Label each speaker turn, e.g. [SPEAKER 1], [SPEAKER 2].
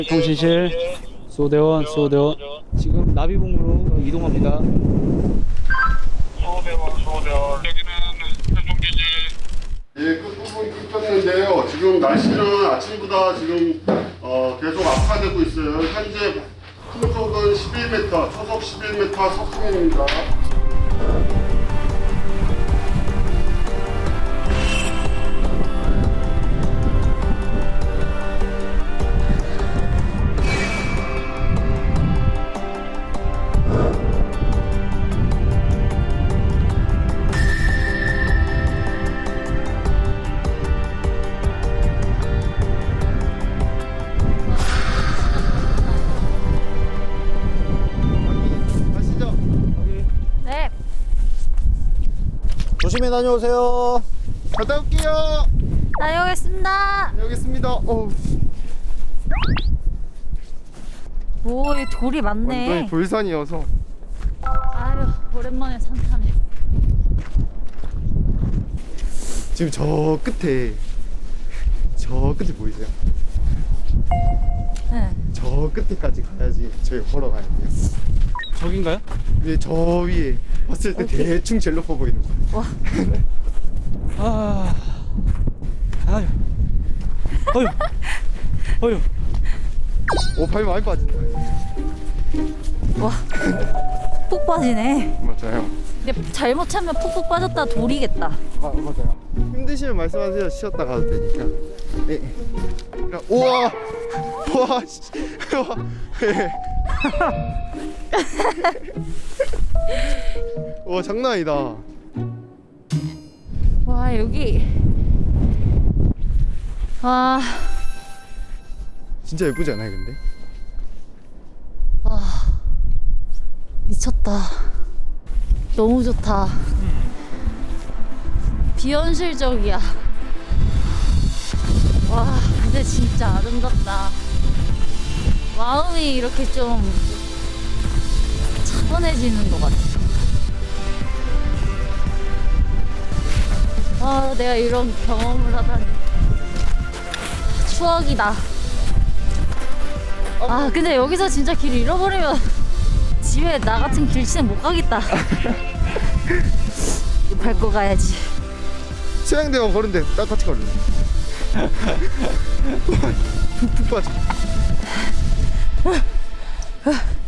[SPEAKER 1] 통신실 수호대원 지금 나비봉으로 이동합니다.
[SPEAKER 2] 수호대원 여기는 세종기지.
[SPEAKER 3] 예, 끝부분이 끊겼는데요. 지금 날씨는 아침보다 지금 계속 악화되고 있어요. 현재 풍속은 11m, 초속 11m 석승입니다.
[SPEAKER 4] 가시죠.
[SPEAKER 5] 네.
[SPEAKER 4] 조심히 다녀오세요. 갔다 올게요.
[SPEAKER 5] 다녀오겠습니다.
[SPEAKER 4] 여기 있습니다.
[SPEAKER 5] 오, 이 돌이 많네.
[SPEAKER 4] 완전히 돌산이어서.
[SPEAKER 5] 아유, 오랜만에 산 타네.
[SPEAKER 4] 지금 저 끝에 보이세요?
[SPEAKER 5] 네.
[SPEAKER 4] 저 끝에까지 가야지 저희 걸어 가야 돼요.
[SPEAKER 1] 저긴가요?
[SPEAKER 4] 근데 저 위에 봤을 때 대충 제일 높아 보이는 거예요.
[SPEAKER 5] 와,
[SPEAKER 1] 아유
[SPEAKER 4] 오, 발이 많이 빠진다.
[SPEAKER 5] 와, 푹 빠지네.
[SPEAKER 4] 맞아요.
[SPEAKER 5] 근데 잘못 차면 푹푹 빠졌다 돌이겠다.
[SPEAKER 4] 맞아요. 힘드시면 말씀하세요. 쉬었다 가도 되니까. 네. 우와, 우와, 씨. 우와. 예. 와, 장난 아니다.
[SPEAKER 5] 와, 여기. 와,
[SPEAKER 4] 진짜 예쁘지 않아요, 근데?
[SPEAKER 5] 미쳤다. 너무 좋다. 비현실적이야. 와, 근데 진짜 아름답다. 마음이 이렇게 좀 차분해지는 것 같아. 아, 내가 이런 경험을 하다니. 추억이다. 아, 근데 여기서 진짜 길 잃어버리면 집에 나 같은 길치는 못 가겠다. 밟고 가야지.
[SPEAKER 4] 수양대원 걸은데 똑같이 걸네. 푹푹 빠져.